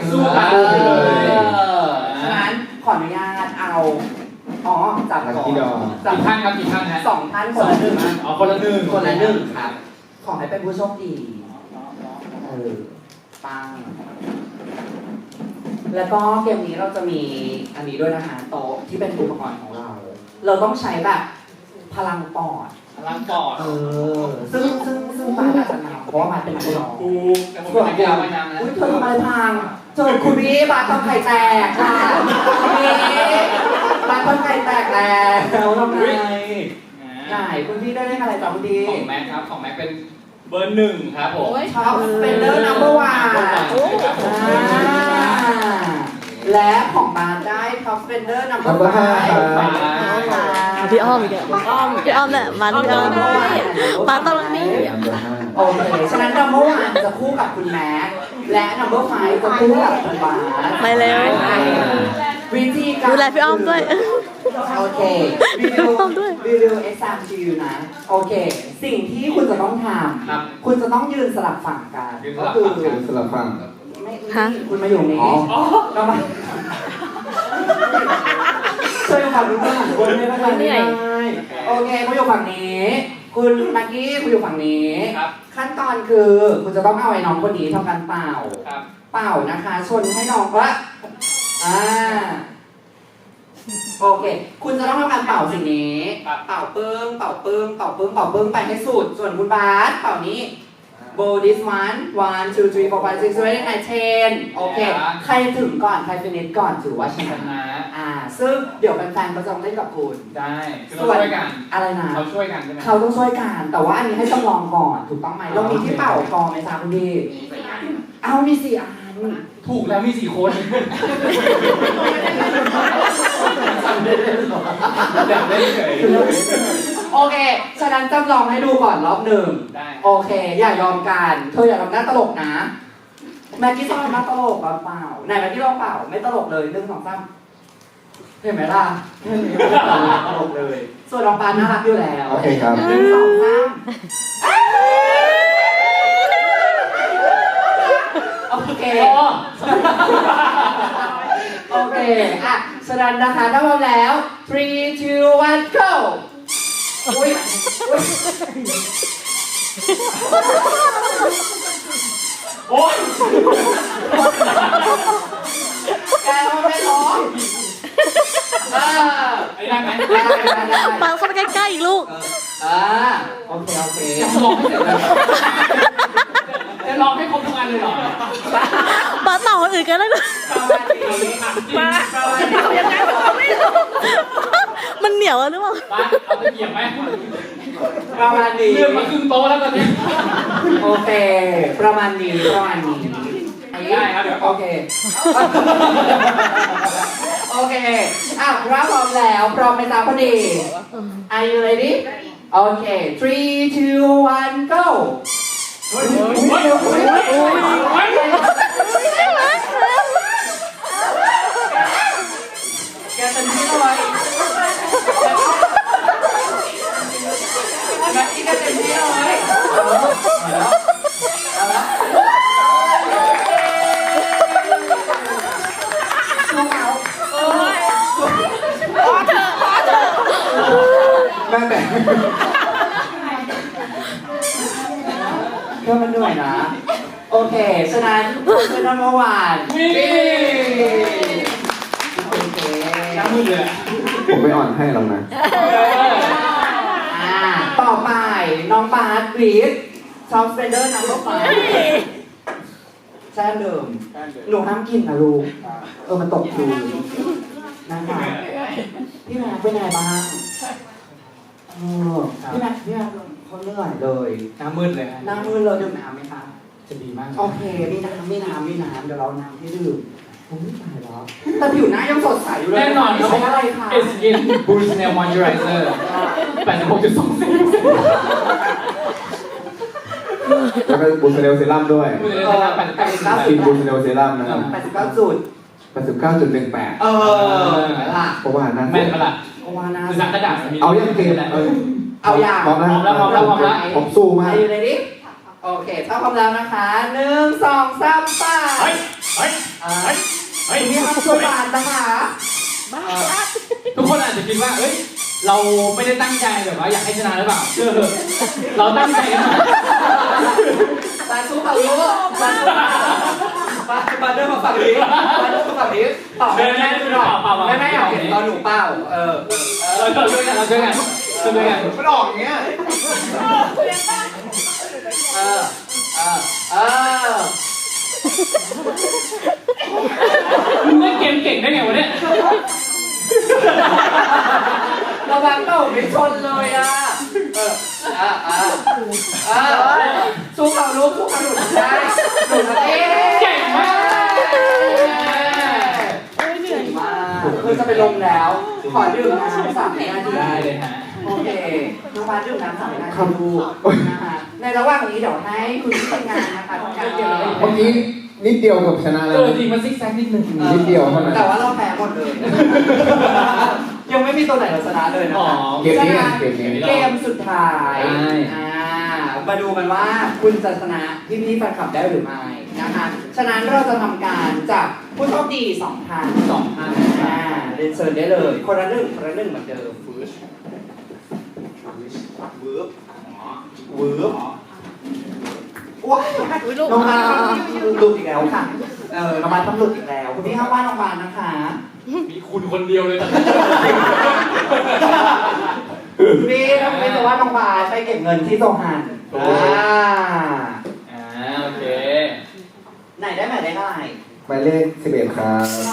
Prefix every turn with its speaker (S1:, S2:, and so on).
S1: สู้กันเลย
S2: ฉะนั้นขออนุญาตเอาจับก่อน
S1: กี่ท่านครับกี่ท่านฮะ
S2: 2 ท่านคนละหนึ่ง
S1: คนละหนึ่ง
S2: คนละหนึ่งครับขอให้เป็นผู้โชคดีปังแล้วก็เกมนี้เราจะมีอันนี้ด้วยนะคะโต๊ะที่เป็นอุปกรณ์ของเรา เราต้องใช้แบบพลังปอด
S1: พลังปอด
S2: ซึ่งมาอาจจะนำเพราะว่ามาเป็นนักร้อง
S1: แต่ผมเป็นนักกีฬาว่ายน้ำนะ
S2: อุ้ยเธอทำอะไรพังเจอคุณพี่บาทำไข่แตกค่ะพี่บาททำไข่แตกแล้วทำไงไหนคุณพี่ได้เลขอะไรจากคุณพี่
S1: ของแม็กครับของแม็กเป็นเบอร์หนึ่งครับผม
S2: ท็อปสเปนเดอร์นัมเบอร์วันและของบาทได้ท็อปสเปนเดอร์นัมเบอร์5
S3: พี่อ้อมอีกพี่อ้อมเนี่ยมันพี่อ้อมมาตรงนี้
S2: โอเคฉะนั้นนัมเบอร์วันจะคู่กับคุณแม็กและนัมเบอร์5จะคู่กับคุณบาท
S3: ไปเร็ว
S2: วิธีการ
S3: ดูแลพี่อ้อมด้วย
S2: โอเควิดีโอ exam to you นะโอเคสิ่งที่คุณจะต้องทำคุณจะต้องยืนสลับฝั่งกันก็คือ
S4: สลับฝั่ง
S2: ไม่คุณมาอยู่นี้ก็มาช่วยฝั่งนู้นคนไม่เป็นไรโอเคคุณอยู่ฝั่งนี้คุณมักกี้คุณอยู่ฝั่งนี้ขั้นตอนคือคุณจะต้องเอาไอ้น้องคนนี้ทำการเป่านะคะชนให้น้องว่าโอเคคุณจะต้องทำการเป่าสิ่งนี้เป่าปึ้งเป่าปึ้งเป่าปึ้งเป่าปึ้งไปให้สุดส่วนคุณบาสเป่านี้blow this one 1 2 3 4 5 6 7 8 9 10โอเคใครถึงก่อนใครฟินิชก่อนถือว่าชนะซึ่งเดี๋ยวแฟนๆก็จะเล่นกับคุณ
S1: ได้คือเราช่วยกัน
S2: อะไรนะ
S1: เขาช่วยกันใช่ไหม
S2: เขาต้องช่วยกันแต่ว่าอันนี้ให้จำลองก่อนถูกต้องไหมเรามีที่เป่ากองไหมจ๊ะคุณพี่เอามี4 อัน
S1: ถูกแล้วมี4 คนเดี๋ยวเล่นเฉย
S2: โอเคฉะนั้นจำลองให้ดูก่อนรอบหนึ่งโอเคอย่ายอมกันเธออย่าทำหน้าตลกนะแม็กกี้ชอบทำหน้าตลกเปล่าไหนแม็กกี้ลองเปล่าไม่ตลกเลย1 2 3เห็นไหมล่ะไม่ตลกเลยส่วนน้องปานน่ารักอยู่แล้ว
S4: โอเคครับ
S2: 1 2 3โอเคโอเคอ่ะฉะนั้นนะคะถ้าพร้อมแล้ว3 2 1 go อุ้ย
S1: โอ๊ย
S2: แกทำไม่ร้อง
S1: ได้ไหม
S3: มาเข้าไปใกล้ๆอีกลูก
S2: โอเค
S1: จะลองให้เสร็จเลยจะลองให้ครบทุกอันเลยเหรอ
S3: มาต่อคนอื่นกันแล้ว
S1: มา
S3: ยังไงไม่รู้มันเหนียวหรือเปล่า
S1: เอาไปเหยียบไหม
S2: ประมาณนี้
S1: เลื่อนมาครึ่งโต๊ะแล้วตอนนี้
S2: โอเคประมาณนี้
S1: ได้ครับเดี๋ยว
S2: โอเคโอเคถ้าพร้อมแล้วพร้อมไหมจ๊ะพอดี Are you ready โอเค3 2 1 go แกเต็มที่เลยแม็กกี้แกเต็มที่เลย
S4: แม่แต่
S2: ก็มันเหนื่อยนะโอเคฉะนั้นเป็นน้องเมื่อวาน
S1: น้ำมือเลย
S4: ผมไม่อ่อนให้หรอกนะ
S2: ต่อไปน้องบาสวีดซอฟต์เฟนเดอร์นัมเบอร์5แช่เดิมหนูห้ามกินนะลูกมันตกพื้นนะคะพี่แม็กเป็นไงบ้างพี่แม็กเขาเหนื่อยเลย
S1: น้ำมืดเลย
S2: ดื่มน้ำไหมคะ
S1: จะดีมาก
S2: โอเคมีน้ำเดี๋ยวเราน้ำให้ดื่มผมไม่ตายแล้วแต่ผิวหน้ายังสดใสอยู่เลย
S1: แน่นอน
S2: ใช้อะไรคะ
S1: Skin Boost Nail Moisturizer 86.2
S4: แล้วก็บูสเนลเซรั่มด้วยกินบูสเนลเซรั่มนะครับ
S2: 89 จุด
S4: 89.18เพราะว่านั่น
S1: แม่นมาละ
S2: ว่าน่า
S1: สักกระดาษ
S4: เอายังเกม
S2: เอาอย่าง
S1: พร้อมแล้ว
S4: ผมสู้มาก
S2: เลยดิโอเคถ้าพร้อมแล้วนะคะ1 2 3 ไปนะคะ
S1: ทุกคนอาจจะคิดว่าเอ้ยเราไม่ได้ตั้งใจแบบว่าอยากให้ชนะหรือเปล่าเราตั้งใจกันมา
S2: บาสู้เขารู้บาเดินมาฝั่งนี้บาเดินมาฝั่งนี้ต่อแม่ดูหน่อยแม่อยากเห็นตอนหนูเป่า
S1: เราช่วยกันช่วยกัน
S4: มันออกอย่างเงี้ย
S1: มึงเล่นเกมเก่งได้ไงวะเนี่ย
S2: ระวังเป่าไม่ชนเลยอ่ะสู้เขาลูกสู้เขาหนูได้หนูได้
S1: เก่งมาก
S2: เก่งมากคือจะไปลงแล้วขอดื่มน้ำ3 นาที
S1: ได้เลยฮะ
S2: โอเคน้องบาสดื่มน้ำ3 นาทีดูนะคะในระหว่างนี้เดี๋ยวให้คุณที่ทำงานนะคะทำการเกี่ยวกับ
S4: เมื่อกี้นิดเดียวกับชนะแล้ว
S1: จริงมันซิกแซกนิดนึง
S4: นิดเดียวเท่านั้น
S2: แต่ว่าเราแพ้หมดเลย ยังไม่มีตัวไหนเราชนะเลยนะ
S1: อ๋อ
S2: คะ
S4: เกมนี้ไงเกมนี้
S2: เกมสุดท้ายมาดูกันว่าคุณจะชนะพี่ๆแฟนคลับได้หรือไม่นะคะฉะนั้นเราจะทำการจับผู้โชคดี2 ท่าน
S1: 2 ท่าน
S2: เรียนเชิญได้เลยคนละหนึ่งเหมือนเดิมว้ายน้องบาสหลุดอีกแล้วค่ะน้องบาสต้องหลุดอีกแล้วคุณพี่ห้ามว่าน้องบาสนะคะ
S1: มีคุณคนเดียวเลยนะ
S2: พี่ถ้าไม่จะว่าน้องบาสไปเก็บเงินที่โซฮัน
S1: โอเค
S2: ไหนได้หมายเลขอะไร
S4: หมายเลข11ครับ